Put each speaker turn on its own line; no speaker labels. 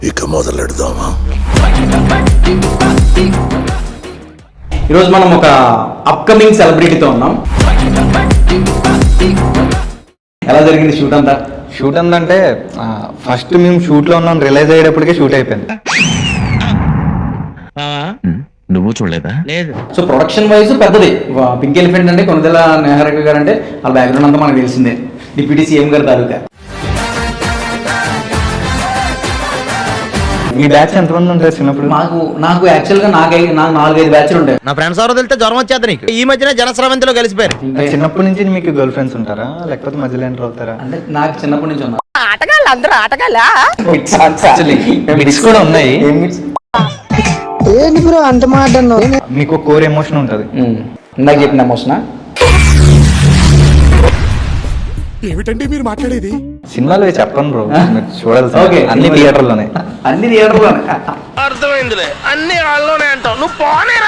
ఇక మొదలెడదామా?
ఈరోజు మనం ఒక అప్కమింగ్ సెలబ్రిటీతో ఉన్నాం. ఎలా జరిగింది షూట్ అంతా?
షూట్ అందంటే ఫస్ట్ మేము షూట్ లో ఉన్నాం రిలైజ్ అయ్యేటప్పటికే షూట్ అయిపోయింది.
నువ్వు చూడలేదా? లేదు.
సో ప్రొడక్షన్ వైజ్ పెద్దది. పింక్ ఎలిఫెంట్ అంటే కొనదెల నెహ్రగ గారు అంటే వాళ్ళ బ్యాక్గ్రౌండ్ అంతా మనకు తెలిసిందే. డిప్యూటీ సీఎం గారు తాలూకా.
మీ బ్యాచ్ ఎంతమంది ఉంటారు చిన్నప్పుడు?
నాకు యాక్చువల్ గా నాకు 4-5 బ్యాచ్లు ఉంటాయి.
నా ఫ్రెండ్స్ ఎవరో తెలితే జ్వరం వచ్చేది నీకు. ఈ మధ్యన జనస్రవంతిలో కలిసిపోయారు.
చిన్నప్పటి నుంచి మీకు గర్ల్ ఫ్రెండ్స్ ఉంటారా లేకపోతే మధ్యలో ఎంటర్ అవుతారా?
అంటే నాకు చిన్నప్పటి నుంచి ఉన్నా
అందరూ ఆటగాళ్ళ
మిక్స్ కూడా ఉన్నాయి.
ఏంటి బ్రో అంత మాట అన్నావు?
మీకు కోర్ ఎమోషన్ ఉంటుంది.
ఇందాక చెప్పిన ఎమోషనా?
ఏమిటండి మీరు మాట్లాడేది?
సినిమాలో చెప్పను బ్రో, మీరు చూడాలి.
ఓకే.
అన్ని థియేటర్లోనే.
అన్ని థియేటర్లోనే.
అర్థమైందిలే, అన్ని వాళ్ళలోనే అంటావు. నువ్వు పోనే